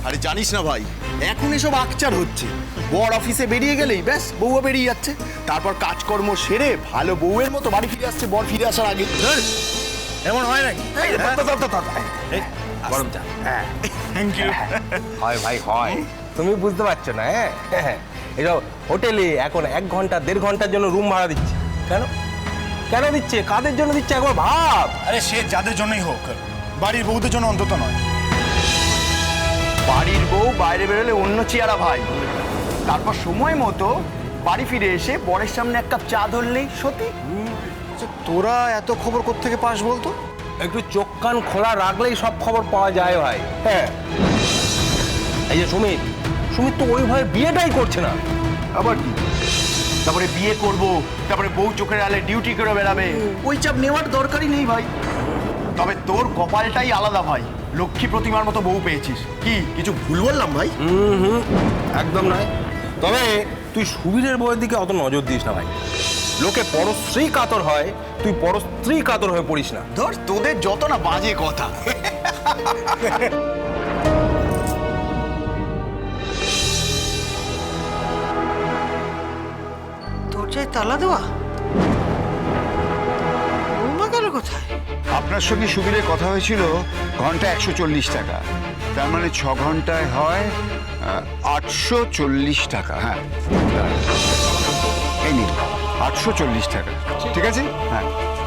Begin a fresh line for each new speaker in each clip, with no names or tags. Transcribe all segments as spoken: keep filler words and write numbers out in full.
আরে জানিস না ভাই, এখন এসব আকচার হচ্ছে। বর অফিসে বেরিয়ে গেলেই ব্যাস বউও বেরিয়ে যাচ্ছে, তারপর কাজকর্ম সেরে ভালো বউয়ের মতো বাড়ি ফিরে আসছে বর ফিরে আসার আগে।
এমন হয় নাকি?
গরম চা।
Thank you.
হয় ভাই হয়, তুমি বুঝতে পারছো না। হ্যাঁ, এসব হোটেলে এখন এক ঘন্টা দেড় ঘন্টার জন্য রুম ভাড়া দিচ্ছে। কেন কেন দিচ্ছে, কাদের জন্য দিচ্ছে একবার ভাব।
আরে সে যাদের জন্যই হোক, বাড়ির বউদের জন্য অন্তত নয়।
বাড়ির বউ বাইরে বেরোলে অন্য চেয়ারা ভাই, তারপর সময় মতো বাড়ি ফিরে এসে বরের সামনে এক কাপ চা ধরলেই সত্যি।
তোরা এত খবর কোত্থেকে পাস বলতো?
একটু চোখ কান খোলা রাখলেই সব খবর পাওয়া যায় ভাই। হ্যাঁ, এই যে সুমিত সুমিত তো ওই ভয়ে বিয়েটাই করছে না।
আবার কি, তারপরে বিয়ে করব, তারপরে বউ চোখের আলে ডিউটি করে বেড়াবে, ওই চাপ নেওয়ার দরকারই নেই ভাই। তবে তোর কপালটাই আলাদা ভাই, লক্ষ্মী প্রতিমার মতো বউ পেয়েছিস। কি কিছু ভুল বললাম ভাই?
হুম হুম একদম নয়। তবে তুই সুবীরের বউয়ের দিকে অত নজর দিস না ভাই। লোকে পরস্ত্রী কাতর হয়, তুই পরস্ত্রী কাতর হয়ে পড়িস না।
ধর তোদের যত না বাজে কথা।
দরজায় তালা দেওয়া, বৌমা গেল কোথায়?
আপনার সঙ্গে সুবীরের কথা হয়েছিল ঘন্টা একশো চল্লিশ টাকা, তার মানে ছ ঘন্টায় হয় আটশো চল্লিশ টাকা। হ্যাঁ, এই নিন আটশো চল্লিশ টাকা, ঠিক আছে? হ্যাঁ,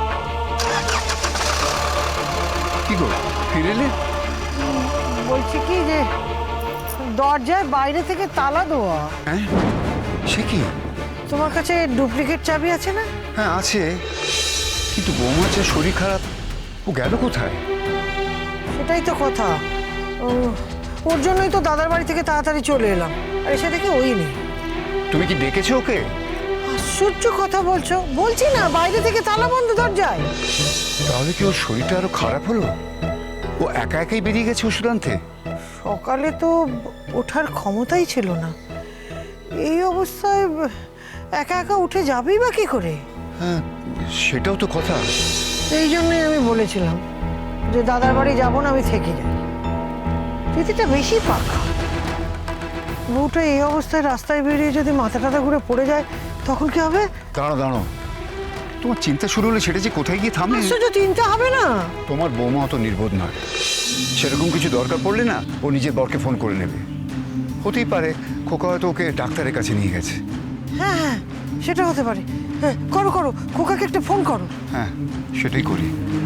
কি গো ফিরে এলে?
বলছি কি যে দরজায় বাইরে থেকে তালা দেওয়া।
হ্যাঁ, সে কি?
তোমার কাছে ডুপ্লিকেট চাবি আছে না?
হ্যাঁ আছে, কিন্তু বৌমার যে শরীর খারাপ, ও গেল কোথায়?
সেটাই তো কথা। ও, ওর জন্যই তো দাদার বাড়ি থেকে তাড়াতাড়ি চলে এলাম, আর এসে দেখে ওই নেই।
তুমি কি ডেকেছো ওকে?
আশ্চর্য কথা বলছো। বলছি না বাইরে থেকে তালা বন্ধ দরজায়।
তাহলে কি ওর শরীরটা আরো খারাপ হলো? ও একা একাই বেরিয়ে গেছে ওষুধ আনতে?
সকালে তো ওঠার ক্ষমতাই ছিল না, এই অবস্থায় একা একা উঠে যাবেই বা কি করে?
হ্যাঁ, সেটাও তো কথা।
এই জন্যই আমি বলেছিলাম যে দাদার বাড়ি যাবো না, আমি থেকে যাই। দিদিটা বেশি পাকা। বউটা এই অবস্থায় রাস্তায় বেরিয়ে যদি মাথা টাথা ঘুরে পড়ে যায় তখন কি হবে?
দাঁড়ো দাঁড়ো, তোমার চিন্তা শুরু হলে সেটা যে কোথায় গিয়ে থামে।
আশ্চর্য, চিন্তা হবে না।
তোমার বৌমা অত নির্বোধ নয়, সেরকম কিছু দরকার পড়লে না ও নিজের বরকে ফোন করে নেবে। হতেই পারে খোকা হয়তো ওকে ডাক্তারের কাছে নিয়ে গেছে।
হ্যাঁ হ্যাঁ, সেটা হতে পারে। হ্যাঁ, করো করো, খোকাকে একটা ফোন করো।
হ্যাঁ, সেটাই করি।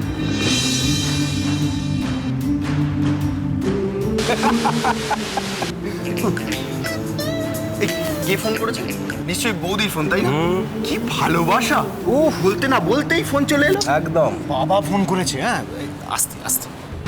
এই কে ফোন করেছে? নিশ্চয়ই বৌদির ফোন, তাই না? কি ভালোবাসা! ও বলতে না বলতেই ফোন চলে এলো।
একদম।
বাবা ফোন করেছে। হ্যাঁ, আস্তে আস্তে।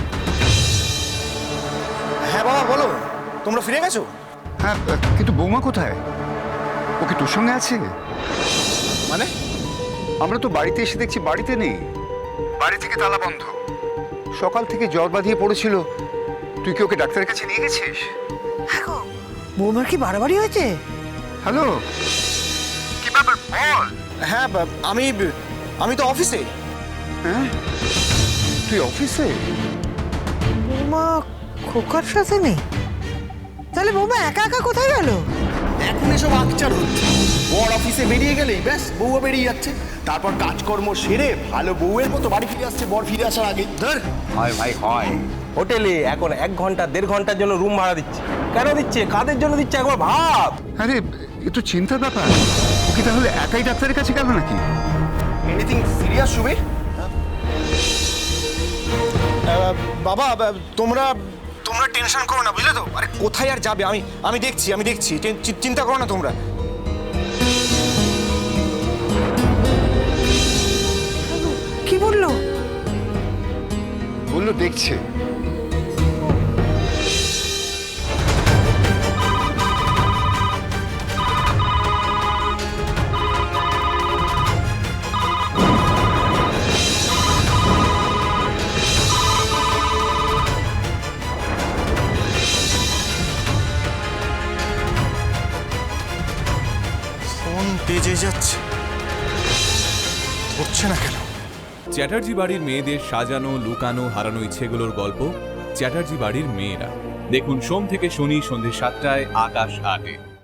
হ্যাঁ বাবা বলো, তোমরা ফিরে গেছো?
হ্যাঁ, কিন্তু বৌমা কোথায়? ও কি তোর সঙ্গে আছে?
মানে
আমরা তো বাড়িতে এসে দেখছি বাড়িতে নেই, বাড়ি থেকে তালা বন্ধ। সকাল থেকে জ্বর বাঁধিয়ে পড়েছিল, তুই কি ওকে ডাক্তারের কাছে নিয়ে গেছিস?
হ্যাঁ গো, বৌমার কি বাড়াবাড়ি হয়েছে?
হ্যালো, কি ব্যাপার বল?
হ্যাঁ বা- আমি আমি তো অফিসে।
হ্যাঁ, তুই অফিসে?
বৌমা খোকার সাথে নেই? তাহলে বৌমা একা একা কোথায় গেল?
এখন এসব আকচার হচ্ছে। বর অফিসে বেরিয়ে গেলেই ব্যাস বউও বেরিয়ে যাচ্ছে, তারপর কাজকর্ম সেরে ভালো বউয়ের মতো বাড়ি ফিরে আসছে বর ফিরে আসার আগে। ধর
হয় ভাই হয়, হোটেলে এখন এক ঘন্টা দেড় ঘন্টার জন্য রুম ভাড়া দিচ্ছে। কেন দিচ্ছে, কাদের জন্য দিচ্ছে একবার ভাব।
আরে এ তো চিন্তার ব্যাপার। ও কি তাহলে একাই ডাক্তারের কাছে গেল নাকি?
Anything serious Subir?
বাবা বা- তোমরা তোমরা টেনশন করো না, বুঝলে তো? আরে কোথায় আর যাবে, আমি আমি দেখছি আমি দেখছি টেন- চি- চিন্তা করো না তোমরা।
কি বললো?
বললো দেখছে।
ফোন বেজে যাচ্ছে, ধরছে না কেন?
চ্যাটার্জি বাড়ির মেয়েদের সাজানো, লুকানো, হারানো ইচ্ছেগুলোর গল্প চ্যাটার্জি বাড়ির মেয়েরা। দেখুন সোম থেকে শনি সন্ধ্যে সাতটায় আকাশ আটে।